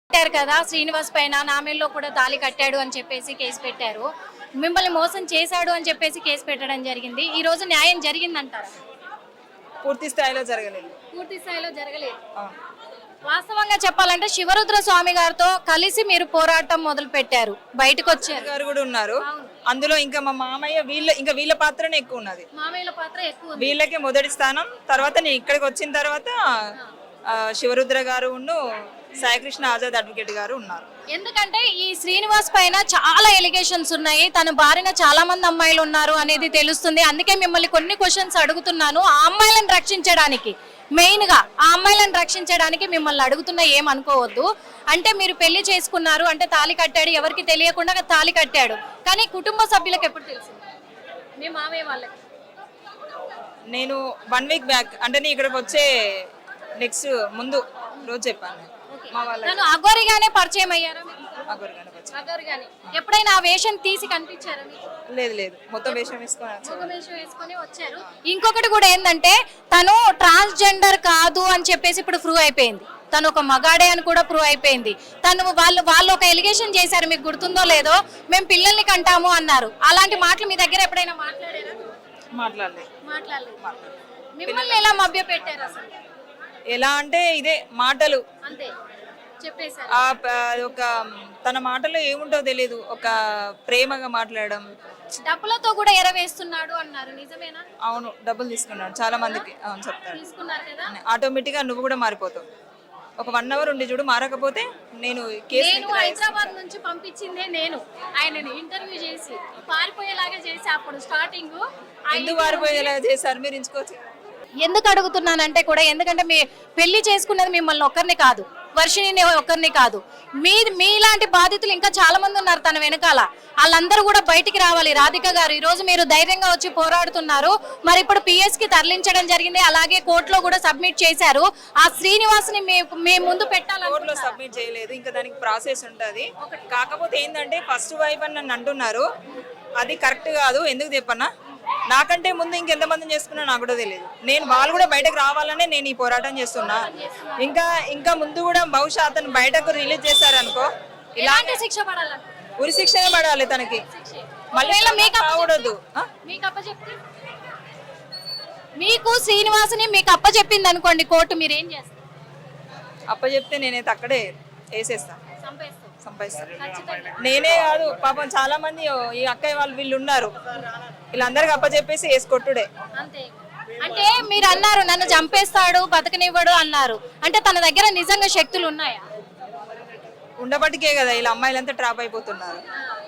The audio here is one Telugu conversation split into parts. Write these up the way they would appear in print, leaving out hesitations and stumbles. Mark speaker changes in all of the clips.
Speaker 1: పెట్టారు కదా శ్రీనివాస్ పైన నామేల్లో కూడా తాళి కట్టాడు అని చెప్పేసి కేసు పెట్టారు. మిమ్మల్ని మోసం చేశాడు అని చెప్పేసి కేసు పెట్టడం జరిగింది. ఈ రోజు న్యాయం జరిగిందంటారా?
Speaker 2: పూర్తి స్థాయిలో జరగలేదు.
Speaker 1: పూర్తి స్థాయిలో జరగలేదు. వాస్తవంగా చెప్పాలంటే శివరుద్ర స్వామి గారితో కలిసి మీరు పోరాటం మొదలు పెట్టారు, బయటకు వచ్చారు
Speaker 2: గారు కూడా ఉన్నారు అందులో. ఇంకా మా మామయ్య వీళ్ళ పాత్రనే ఎక్కువ ఉన్నది.
Speaker 1: మామయ్యల పాత్ర ఎక్కువ ఉంది.
Speaker 2: వీళ్ళకే మొదటి స్థానం. తర్వాత నేను ఇక్కడికి వచ్చిన తర్వాత శివరుద్ర గారు సాయికృష్ణ ఆజాద్ అడ్వకేట్ గారు ఉన్నారు.
Speaker 1: ఎందుకంటే ఈ శ్రీనివాస్ పైన చాలా ఎలిగేషన్స్ ఉన్నాయి, తన బారిన చాలా మంది అమ్మాయిలు ఉన్నారు అనేది తెలుస్తుంది. అందుకే మిమ్మల్ని కొన్ని క్వశ్చన్స్ అడుగుతున్నాను. ఆ అమ్మాయిలను రక్షించడానికి, మెయిన్ గా ఆ అమ్మాయిలను రక్షించడానికి మిమ్మల్ని అడుగుతున్నా, ఏమనుకోవద్దు. అంటే మీరు పెళ్లి చేసుకున్నారు అంటే తాళి కట్టాడు, ఎవరికి తెలియకుండా తాళి కట్టాడు, కానీ కుటుంబ సభ్యులకు ఎప్పుడు తెలిసింది? మీ మామయ్య వాళ్ళకి
Speaker 2: నేను 1 వీక్ బ్యాక్ అంటే నేను ఇక్కడికి వచ్చే నెక్స్ట్ ముందు రోజు చెప్పాను. మా
Speaker 1: తను అఘోరిగానే పరిచయం అయ్యారా?
Speaker 2: అఘోరిగానే.
Speaker 1: ఎప్పుడైనా ఆ వేషం తీసి కనిపించారా?
Speaker 2: లేదు, మొత్తం వేషం వేసుకొని
Speaker 1: వచ్చారు. ఇంకొకటి కూడా ఏంటంటే తను ట్రాన్స్జెండర్ కాదు అని చెప్పేసి ఇప్పుడు ప్రూవ్ అయిపోయింది. తను ఒక మగాడే అని కూడా ప్రూవ్ అయిపోయింది. వాళ్ళు ఒక ఎలిగేషన్ చేశారు, మీకు గుర్తుందో లేదో, మేము పిల్లల్ని కంటాము అన్నారు. అలాంటి మాటలు మీ దగ్గర ఎప్పుడైనా మాట్లాడారా? మాట్లాడలేదు. మిమ్మల్ని ఎలా మభ్య పెట్టారు అసలు?
Speaker 2: ఎలా అంటే ఇదే మాటలు
Speaker 1: అంతే చెప్పేశారు.
Speaker 2: ఒక తన మాటలో ఏముంటో తెలియదు, ఒక ప్రేమగా మాట్లాడడం.
Speaker 1: డబ్బులతో కూడా ఎరవేస్తున్నాడు అన్నారు, నిజమేనా?
Speaker 2: అవును, డబ్బులు తీసుకున్నాడు చాలా మందికి. అవును చెప్తాడు.
Speaker 1: తీసుకున్నారు కదా,
Speaker 2: ఆటోమేటిక్ గా నువ్వు కూడా మారిపోతావు. ఒక 1 అవర్ ఉండి చూడు, మారకపోతే నేను
Speaker 1: హైదరాబాద్ నుంచి పంపించిందే నేను ఆయనని ఇంటర్వ్యూ చేసి పారిపోయేలాగా చేసి, అప్పుడు స్టార్టింగ్
Speaker 2: ఎందుకు పారిపోయేలాగా చేశారు మీరు ఎంచుకోవచ్చు.
Speaker 1: ఎందుకు అడుగుతున్నానంటే కూడా, ఎందుకంటే మీ పెళ్లి చేసుకున్నది మిమ్మల్ని ఒక్కరిని కాదు, వర్షిణిని ఒక్కరిని కాదు, మీలాంటి బాధితులు ఇంకా చాలా మంది ఉన్నారు తన వెనకాల. వాళ్ళందరూ కూడా బయటికి రావాలి. రాధిక గారు, ఈ రోజు మీరు ధైర్యంగా వచ్చి పోరాడుతున్నారు. మరి ఇప్పుడు PS కి తరలించడం జరిగింది, అలాగే కోర్టులో కూడా సబ్మిట్ చేశారు. ఆ శ్రీనివాస్ ని మీ ముందు పెట్టాలి.
Speaker 2: కోర్టులో సబ్మిట్ చేయలేదు, ఇంకా దానికి ప్రాసెస్ ఉంటుంది. కాకపోతే ఏంటంటే ఫస్ట్ వైఫ్ అని నన్ను అంటున్నారు, అది కరెక్ట్ కాదు. ఎందుకు చెప్పన్నా, నాకంటే ముందు ఇంకెంతమంది చేసుకున్నా నాకు కూడా తెలియదు. వాళ్ళు కూడా బయటకు రావాలనే నేను ఈ పోరాటం చేస్తున్నా. ఇంకా ముందు కూడా బహుశా అతను బయటకు రిలీజ్ చేశారనుకో,
Speaker 1: ఇలాంటి శిక్ష పడాలి,
Speaker 2: ఉరి శిక్షనే పడాలి తనకి. మళ్ళీ కాకూడదు.
Speaker 1: మీకు శ్రీనివాసుని మీకు అప్పచెప్పింది అనుకోండి కోర్టు, మీరు ఏం చేస్తారు?
Speaker 2: అప్పచెప్తే నేనైతే అక్కడే వేసేస్తాను, సంపాదిస్తాను. నేనే కాదు పాపం చాలా మంది ఈ అక్కయ్య వాళ్ళు వీళ్ళు ఉన్నారు, వీళ్ళందరికి అప్పచెప్పేసి వేసుకొట్టుడే.
Speaker 1: అంటే మీరు అన్నారు నన్ను చంపేస్తాడు, బతకనివ్వడు అన్నారు. అంటే తన దగ్గర నిజంగా శక్తులు ఉన్నాయా?
Speaker 2: ఉండబట్టికే కదా ఇలా అమ్మాయిలంతా ట్రాప్ అయిపోతున్నారు.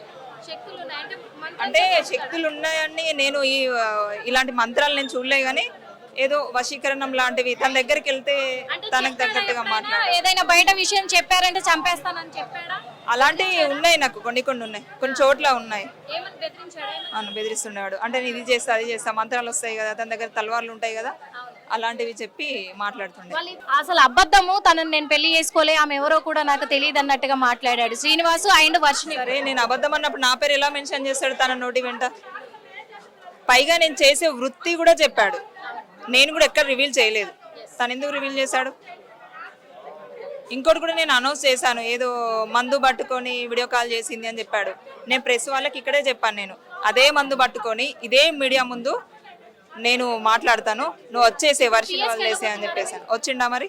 Speaker 2: అంటే శక్తులు ఉన్నాయని నేను ఇలాంటి మంత్రాలు నేను చూడలే, కానీ ఏదో వశీకరణం లాంటివి తన దగ్గరికి వెళ్తే తనకు తగ్గట్టుగా మాట్లాడు.
Speaker 1: ఏదైనా బయట విషయం చెప్పారంటే చంపేస్తానని చెప్పాడా?
Speaker 2: అలాంటివి ఉన్నాయి, నాకు కొన్ని ఉన్నాయి, కొన్ని చోట్ల ఉన్నాయి. బెదిరిస్తుండేవాడు. అంటే ఇది చేస్తా అది చేస్తా, మంత్రాలు వస్తాయి కదా, తన దగ్గర తలవార్లు ఉంటాయి కదా, అలాంటివి చెప్పి మాట్లాడుతుండే.
Speaker 1: అసలు అబద్ధము, తనని నేను పెళ్లి చేసుకోలే, ఆమె ఎవరో కూడా నాకు తెలియదు అన్నట్టుగా మాట్లాడాడు శ్రీనివాసు అండ్ వర్షిణి.
Speaker 2: సరే, నేను అబద్ధం అన్నప్పుడు నా పేరు ఎలా మెన్షన్ చేస్తాడు తన నోటి వెంట? పైగా నేను చేసే వృత్తి కూడా చెప్పాడు, నేను కూడా ఎక్కడ రివీల్ చేయలేదు. తను ఎందుకు రివీల్ చేశాడు? ఇంకోటి కూడా నేను అనౌన్స్ చేశాను, ఏదో మందు పట్టుకొని వీడియో కాల్ చేసింది అని చెప్పాడు. నేను ప్రెస్ వాళ్ళకి ఇక్కడే చెప్పాను, నేను అదే మందు పట్టుకొని ఇదే మీడియా ముందు నేను మాట్లాడతాను, నువ్వు వచ్చేసే వర్షం వదిలేసే అని చెప్పేసాను. వచ్చిండా మరి?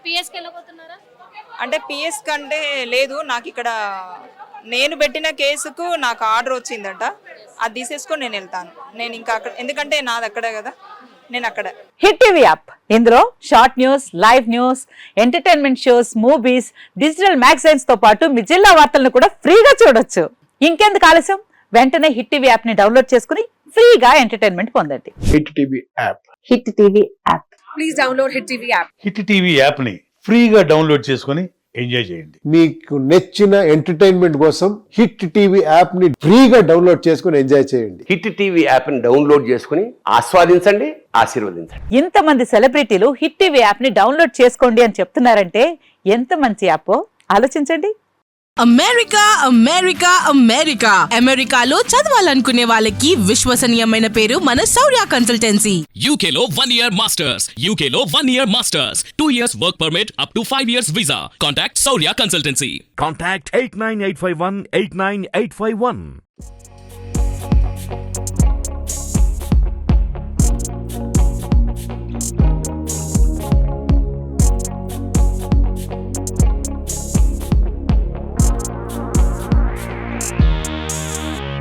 Speaker 2: అంటే PS కంటే లేదు, నాకు ఇక్కడ నేను పెట్టిన కేసుకు నాకు ఆర్డర్ వచ్చిందట, అది తీసేసుకొని నేను వెళ్తాను. నేను ఇంకా అక్కడ, ఎందుకంటే నాది అక్కడే కదా, నేను అక్కడ.
Speaker 3: హిట్ టీవీ యాప్, ఇందులో short news, live news, entertainment shows, movies, digital magazines తో పాటు మీ జిల్లా వార్తలను కూడా ఫ్రీగా చూడొచ్చు. ఇంకెందుకు ఆలస్యం, వెంటనే హిట్ టీవీ యాప్ ని డౌన్లోడ్ చేసుకుని ఫ్రీగా ఎంటర్టైన్మెంట్ పొందండి.
Speaker 4: Hit TV app.
Speaker 3: Hit TV app.
Speaker 1: Please download hit TV app.
Speaker 4: Hit TV app ని ఫ్రీగా డౌన్లోడ్ చేసుకుని ఎంజాయ్ చేయండి.
Speaker 5: మీకు నచ్చిన ఎంటర్టైన్మెంట్ కోసం హిట్ టీవీ యాప్ ని ఫ్రీగా డౌన్లోడ్ చేసుకుని ఎంజాయ్ చేయండి.
Speaker 6: హిట్ టీవీ యాప్ ని డౌన్లోడ్ చేసుకుని ఆస్వాదించండి, ఆశీర్వదించండి.
Speaker 3: ఇంతమంది సెలబ్రిటీలు హిట్ టీవీ యాప్ ని డౌన్లోడ్ చేసుకోండి అని చెప్తున్నారంటే ఎంత మంచి యాప్ ఆలోచించండి.
Speaker 7: అమెరికా అమెరికా అమెరికా అమెరికాలో చదవాలనుకునే వాళ్ళకి విశ్వసనీయమైన పేరు మన Shaurya consultancy.
Speaker 8: UK Law 1 Year Masters. UK Law 1 Year Masters. 2 years work permit up to 5 years visa. Contact Saurya Consultancy.
Speaker 9: Contact 89851 89851.